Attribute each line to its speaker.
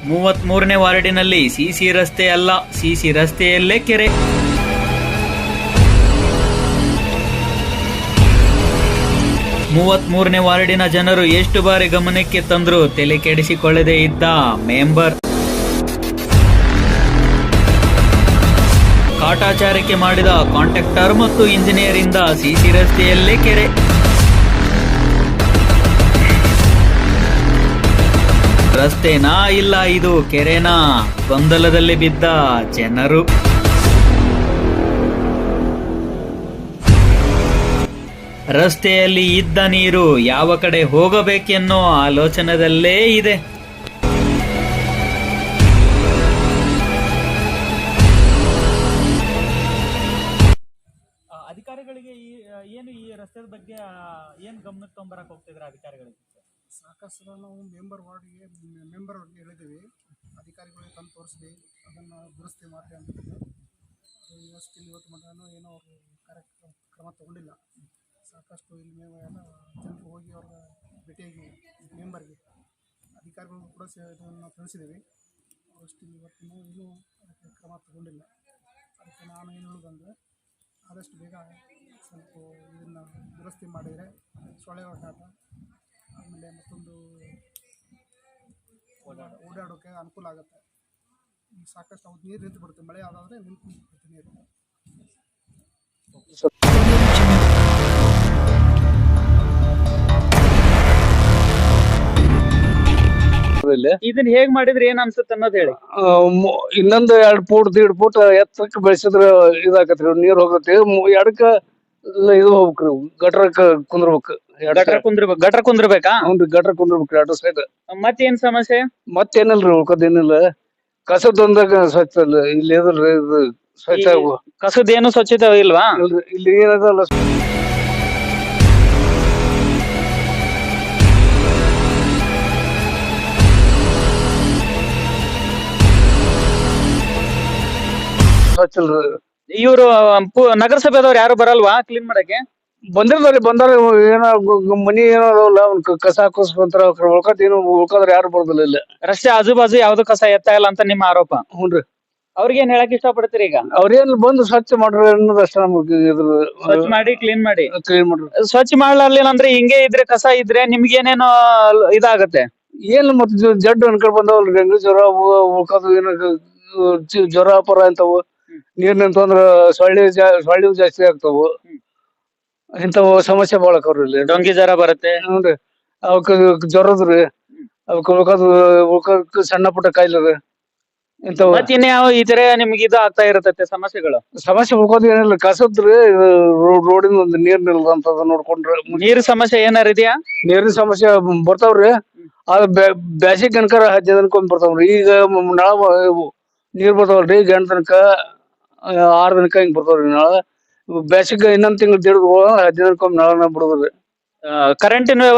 Speaker 1: 33ನೇ ವಾರ್ಡಿನಲ್ಲಿ CC ರಸ್ತೆ ಅಲ್ಲ, CC ರಸ್ತೆಯಲ್ಲೇ ಕೆರೆ. 33ನೇ ವಾರ್ಡಿನ ಜನರು ಎಷ್ಟು ಬಾರಿ ಗಮನಕ್ಕೆ ತಂದ್ರು ತಲೆ ಕೆಡಿಸಿಕೊಳ್ಳದೆ ಇದ್ದ ಮೆಂಬರ್. ಕಾಟಾಚಾರಕ್ಕೆ ಮಾಡಿದ ಕಾಂಟ್ರಾಕ್ಟರ್ ಮತ್ತು ಇಂಜಿನಿಯರ್ ಇಂದ ಸಿಸಿ ರಸ್ತೆಯಲ್ಲೇ ಕೆರೆ. ರಸ್ತೆನಾ ಇಲ್ಲ ಇದು ಕೆರೆನಾ? ಗೊಂದಲದಲ್ಲಿ ಬಿದ್ದ ಜನರು. ರಸ್ತೆಯಲ್ಲಿ ಇದ್ದ ನೀರು ಯಾವ ಕಡೆ ಹೋಗಬೇಕೆನ್ನೋ ಆಲೋಚನೆಯಲ್ಲೇ ಇದೆ. ಅಧಿಕಾರಿಗಳಿಗೆ ಏನು ಈ ರಸ್ತೆ ಬಗ್ಗೆ ಏನು ಗಮನಕ್ಕೆ ತೊಗೊಂಬರಕ್ಕೆ ಹೋಗ್ತಿದ್ರೆ ಅಧಿಕಾರಿಗಳಿಗೆ?
Speaker 2: ಸಾಕಷ್ಟು ನಾವು ಮೆಂಬರ್ ಅವ್ರಿಗೆ ಹೇಳಿದ್ದೀವಿ, ಅಧಿಕಾರಿಗಳಿಗೆ ತಂದು ತೋರಿಸಿದ್ವಿ, ಅದನ್ನು ದುರಸ್ತಿ ಮಾಡಿ ಅಂತಿದ್ವಿ. ಇವತ್ತು ಮಟನೂ ಏನೋ ಅವರು ಕ್ರಮ ತಗೊಂಡಿಲ್ಲ. ಸಾಕಷ್ಟು ಇಲ್ಲಿ ಎಲ್ಲ ಜನರು ಹೋಗಿ ಅವ್ರ ಭೇಟಿಯಾಗಿ ಮೆಂಬರ್ಗೆ ಅಧಿಕಾರಿಗಳಿಗೂ ಕೂಡ ಇದನ್ನು ತಿಳಿಸಿದ್ದೀವಿ. ಇವತ್ತಿನೂ ಇನ್ನೂ ಅದಕ್ಕೆ ಕ್ರಮ ತಗೊಂಡಿಲ್ಲ. ಅದಕ್ಕೆ ನಾನು ಏನು ಹೇಳೋದಂದರೆ, ಆದಷ್ಟು ಬೇಗ ಸ್ವಲ್ಪ ಇದನ್ನು ದುರಸ್ತಿ ಮಾಡಿದರೆ ಸೊಳ್ಳೆ ಹೊಡೆದಾಟ, ಆಮೇಲೆ ಮತ್ತೊಂದು ಓಡಾಡೋಕ್ಕೆ ಅನುಕೂಲ ಆಗುತ್ತೆ. ಸಾಕಷ್ಟು ಅವ್ರು ನೀರು ನಿಂತು ಬಿಡುತ್ತೆ, ಮಳೆ ಆದಾದರೆ ನಿಂತು ಬಿಡುತ್ತೆ ನೀರು.
Speaker 1: ಇದನ್ನ ಹೇಗ್ ಮಾಡಿದ್ರೆ ಏನ್ ಅನ್ಸುತ್ತೆ ಅನ್ನೋದು ಹೇಳಿ.
Speaker 3: ಇನ್ನೊಂದು 2 ಫೂಟ್ 1.5 ಫೂಟ್ ಎತ್ತರಕ್ಕೆ ಬೆಳೆಸಿದ್ರ ಇದಾಕತ್ರಿ, ನೀರ್ ಹೋಗತ್ರಿ. ಎಡಕ್ಕ ಇದು ಹೋಗ್ಬೇಕ್ರಿ, ಗಟ್ರಕ್ಕ ಕುಂದ್ರಬೇಕು.
Speaker 1: ಗಟ್ರ ಕುಂದ್ರಬೇಕಾ?
Speaker 3: ಹ್ಞೂ, ಗಟ್ರ ಕುಂದ್ರಬೇಕ್ರಿ 2 ಸೈಡ್.
Speaker 1: ಮತ್ತೇನ್ ಸಮಸ್ಯೆ?
Speaker 3: ಮತ್ತೇನಿಲ್ರಿ, ಉಳ್ಕೋದೇನಿಲ್ಲ. ಕಸದೊಂದಾಗ ಸ್ವಚ್ಛ ಇಲ್ಲಿ ಇದ್ರಿ, ಇದು ಸ್ವಚ್ಛ
Speaker 1: ಕಸದೇನು ಸ್ವಚ್ಛತೆ ಇಲ್ವಾ?
Speaker 3: ಇಲ್ಲಿ ಏನದಲ್ಲ ಸ್ವಚ್ಛ ಇಲ್ರಿ.
Speaker 1: ಇವರು ನಗರಸಭೆದವ್ರು ಯಾರು ಬರಲ್ವಾ ಕ್ಲೀನ್ ಮಾಡಕ್ಕೆ?
Speaker 3: ಬಂದಾರ ಏನ ಮನಿ ಏನದಾವಲ್ಲ ಕಸ ಹಾಕೋಸ್ಕೊಂತಾರ, ಉಳ್ಕತ್ ಏನು ಉಳ್ಕೋದ್ರ ಯಾರು ಬರೋದಿಲ್ಲ ಇಲ್ಲ.
Speaker 1: ರಸ್ತೆ ಆಜು ಬಾಜು ಯಾವ್ದು ಕಸ ಎತ್ತಾ ಇಲ್ಲ ಅಂತ ನಿಮ್ಮ ಆರೋಪ.
Speaker 3: ಹ್ಞೂನ್ರಿ.
Speaker 1: ಅವ್ರಿಗೇನ್ ಹೇಳಕ್ ಇಷ್ಟಪಡ್ತೀರಿ ಈಗ?
Speaker 3: ಅವ್ರೇನ್ ಬಂದು ಸ್ವಚ್ಛ ಮಾಡ್ರಿ ಅನ್ನೋದು ಅಷ್ಟ ನಮ್ಗೆ.
Speaker 1: ಸ್ವಚ್ಛ ಮಾಡಿ ಕ್ಲೀನ್ ಮಾಡಿ.
Speaker 3: ಕ್ಲೀನ್ ಮಾಡ್ರಿ.
Speaker 1: ಸ್ವಚ್ಛ ಮಾಡ್ಲಿಲ್ಲ ಅಂದ್ರೆ ಹಿಂಗೆ ಇದ್ರೆ ಕಸ ಇದ್ರೆ ನಿಮ್ಗೇನೇನೋ ಇದಾಗತ್ತೆ.
Speaker 3: ಏನ್ ಮತ್ತ ಜಡ್ಡು ಅನ್ಕೊಂಡ್ ಬಂದವಲ್ರಿ, ಡೆಂಗ್ಯೂ ಜ್ವರ ಉಳ್ಕೋದು ಏನ ಜ್ವರ ಪರ ಅಂತವು. ನೀರ್ ನಿಂತಂದ್ರ ಸೊಳ್ಳಿ ಜಾಸ್ತಿ ಆಗ್ತಾವು. ಇಂಥವು ಸಮಸ್ಯೆ ಬಾಳ ಆಕವ್ರಿ ಇಲ್ಲಿ.
Speaker 1: ಡೊಂಗಿ ಜ್ವರ ಬರುತ್ತೆ.
Speaker 3: ಹ್ಞೂನ್ರಿ. ಅವಕ್ ಜ್ವರದ್ರಿ, ಅವಕ್ ಉಳ್ಕೋದ್ ಸಣ್ಣ ಪುಟ್ಟ ಕಾಯಿಲೆ ಇಂಥವು.
Speaker 1: ಮತ್ ಇನ್ಯಾವ ಈ ತರ ನಿಮ್ಗೆ ಇದು ಆಗ್ತಾ ಇರತ್ತೆ ಸಮಸ್ಯೆಗಳು?
Speaker 3: ಸಮಸ್ಯೆ ಉಳ್ಕೋದ್ ಏನಿಲ್ಲ, ಕಸದ್ರಿ. ರೋಡಿನ ಒಂದು ನೀರ್ ನಿಲ್ದಂತದ ನೋಡ್ಕೊಂಡ್ರೆ.
Speaker 1: ನೀರ್ ಸಮಸ್ಯೆ ಏನಾರ ಇದೆಯಾ?
Speaker 3: ನೀರಿನ ಸಮಸ್ಯೆ ಬರ್ತಾವ್ರಿ. ಅದ್ ಬ್ಯಾಸಿಗ್ ಕನಕರ 10 ದಿನಕ್ಕೊಮ್ಮೆ ಬರ್ತಾವ್ರಿ. ಈಗ ನಾಳ ನೀರ್ ಬರ್ತಾವಲ್ರಿ, ಈಗ 8 ದಿನಕ್ಕ 6 ದಿನಕ್ಕ ಹಿಂಗ್ ಬರ್ತಾವ್ರಿ ನಾಳ. ಬ್ಯಾಸಿಗ್ ಇನ್ನೊಂದ್ ತಿಂಗಳ 1.5 10 ದಿನಕ್ಕೊಮ್ಮೆ ನಾಳನ ಬಿಡೋದ್ರಿ.
Speaker 1: ಕರೆಂಟಿನ